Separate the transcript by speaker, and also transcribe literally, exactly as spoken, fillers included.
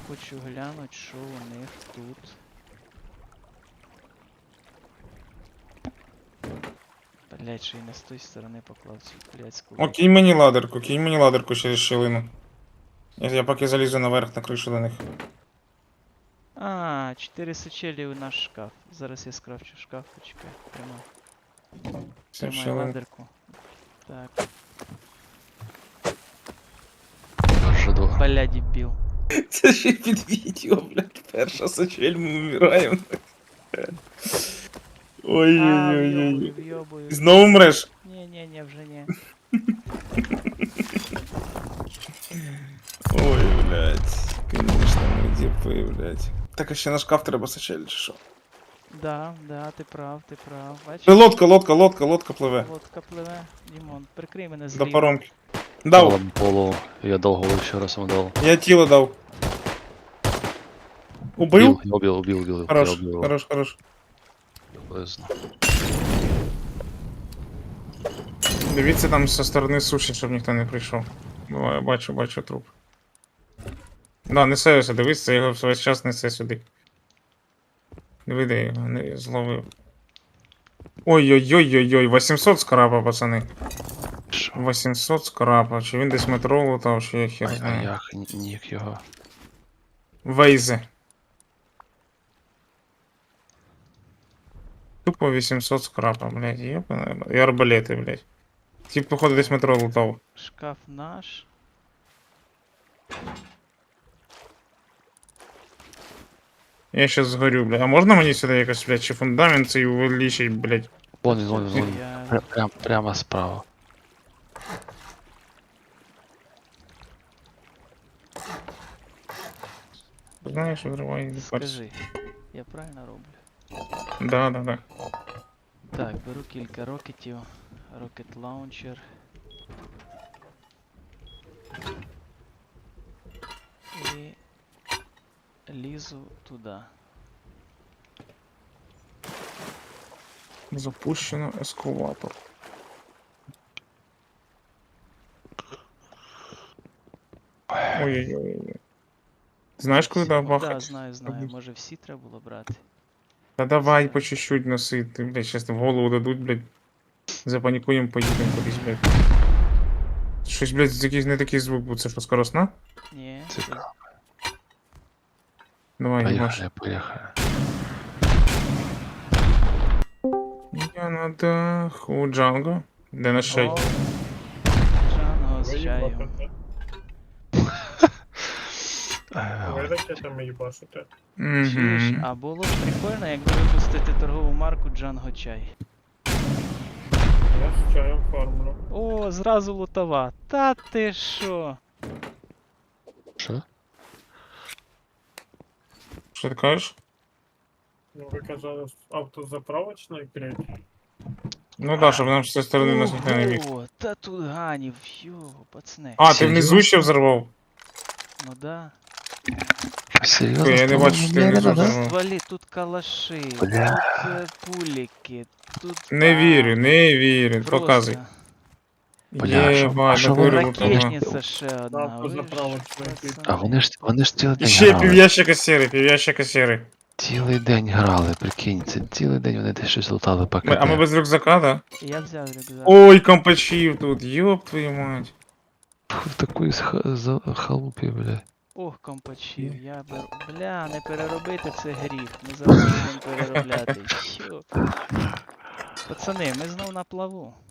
Speaker 1: хочу глянути, що у них тут. Блять, що і не з тої сторони поклав цю блядську.
Speaker 2: О, кинь мені ладерку, кинь мені ладерку через щілину. Я, я поки залізу наверх на кришу до них.
Speaker 1: А, чотири сачелі у наш шкаф. Зараз я скрафчу шкаф, почекай. Тримай.
Speaker 2: Все в
Speaker 1: Тримай
Speaker 2: щілину.
Speaker 1: ладерку. Так.
Speaker 3: Вже два.
Speaker 1: Бля, дебіл.
Speaker 2: Це ще під відео, блядь. Перша сочель, ми вмираємо.
Speaker 1: А,
Speaker 2: Ой-ой-ой.
Speaker 1: вйобую, вйобую.
Speaker 2: Знову мреш?
Speaker 1: Ні-ні-ні, вже ні.
Speaker 2: Ой, блядь. Конечно, ми діпи, блядь. Так, а ще на шкаф треба сочель, чи що?
Speaker 1: Да, да, ти прав, ти прав. Бачиш?
Speaker 2: Е, Лодка, лодка, лодка, лодка пливе.
Speaker 1: Лодка пливе. Дімон, прикрий мене
Speaker 2: До
Speaker 1: зліва.
Speaker 2: паромки. Дав.
Speaker 3: Полом, полу. Я дал голову ще раз ему дал.
Speaker 2: Я тіло дав. Убив?
Speaker 3: Я убил, убил, убил.
Speaker 2: Хорош,
Speaker 3: я убил его.
Speaker 2: хорош, хорош.
Speaker 3: Повезло.
Speaker 2: Дивіться там зі сторони суші, щоб ніхто не прийшов. Бо я бачу, бачу труп. Да, несе ось, дивись, це його весь час несе сюди. Диви, де його не зловив. Ой-ой-ой-ой-ой, вісімсот скрапа, пацани.
Speaker 3: Що?
Speaker 2: вісімсот скрапа. Чи він десь метро лутав, чи я хер
Speaker 3: А, а
Speaker 2: знаю.
Speaker 3: як ні- нік його?
Speaker 2: Вейзи. Тупо вісімсот скрапа, блядь, єпана. І арбалети, блядь. Тип, походу, десь метро лутав.
Speaker 1: Шкаф наш.
Speaker 2: Я щас згорю, блядь. А можна мені сюди якось, блядь, чи фундамент цей увеличить, блядь?
Speaker 3: Вон він, вон він, вон він.
Speaker 1: Я...
Speaker 3: Пря- Прям, прямо справа.
Speaker 2: Знаєш, взривай, не парься.
Speaker 1: Скажи, я правильно роблю?
Speaker 2: Да, да, да.
Speaker 1: Так, беру кілька рокетів. Рокет лаунчер. І лізу туди.
Speaker 2: Запущено ескалатор. Ой-ой-ой. Знаєш, коли
Speaker 1: Так,
Speaker 2: добавити?
Speaker 1: да, знаю, знаю. Може всі треба було брати.
Speaker 2: Та давай по чуть-чуть носи. Ти, блядь, щас в голову дадуть, блядь. Запанікуємо, поїдемо кудись, блядь. Щось, блядь, якийсь не такий звук був. Це що, скоросна?
Speaker 1: Ні,
Speaker 3: Цікаво.
Speaker 2: Давай, Маш.
Speaker 3: Поїхали, поїхали.
Speaker 2: Я на даху Джанго. Де наш чай?
Speaker 1: О, Джанго з чаєм.
Speaker 3: Е,
Speaker 4: Видайте там їбасите.
Speaker 1: Чуєш,
Speaker 2: Угу.
Speaker 1: а було б прикольно, якби випустити торгову марку Джанго чай.
Speaker 4: Я з чаєм фармлю.
Speaker 1: О, зразу лутова. Та ти що?
Speaker 3: Що?
Speaker 2: Що ти кажеш?
Speaker 4: Ну ви казали, автозаправочна клеть.
Speaker 2: Ну да, щоб нам з цієї сторони нас ніхто не міг.
Speaker 1: Ого, та тут ганів, йо, пацани.
Speaker 2: А, ти
Speaker 3: Серйозно?
Speaker 2: внизу ще взорвав?
Speaker 1: Ну да.
Speaker 3: Серйозно?
Speaker 2: Я не бачу, що ти внизу
Speaker 3: да?
Speaker 2: взорвав.
Speaker 1: Стволі, тут калаши,
Speaker 3: Бля.
Speaker 1: тут е, пуліки, тут...
Speaker 2: Не
Speaker 1: а,
Speaker 2: вірю, не вірю.
Speaker 1: просто
Speaker 2: Показуй.
Speaker 3: Бля, а що-
Speaker 2: Єбать,
Speaker 3: а що
Speaker 2: натурі
Speaker 3: ви
Speaker 2: лутова.
Speaker 1: Ракетниця ще одна.
Speaker 4: Да,
Speaker 1: ви ж,
Speaker 4: позаправочна
Speaker 1: пацани.
Speaker 3: А вони ж, вони ж цілий
Speaker 2: І
Speaker 3: день
Speaker 2: ще
Speaker 3: грали.
Speaker 2: пів'ящика сіри, пів'ящика сіри.
Speaker 3: Цілий день грали, прикинь. Це цілий день вони десь щось лутали
Speaker 2: Ми-
Speaker 3: пакети.
Speaker 2: А ми без рюкзака, да?
Speaker 1: Я взяв рюкзак.
Speaker 2: Ой, компачів тут, ёб твою мать.
Speaker 3: Фу, в такої ха- за- халупі, бля.
Speaker 1: Ох, компачів, я беру. Бля, не переробити це гріх. Ми зараз будемо переробляти. Що? Пацани, ми знов на плаву.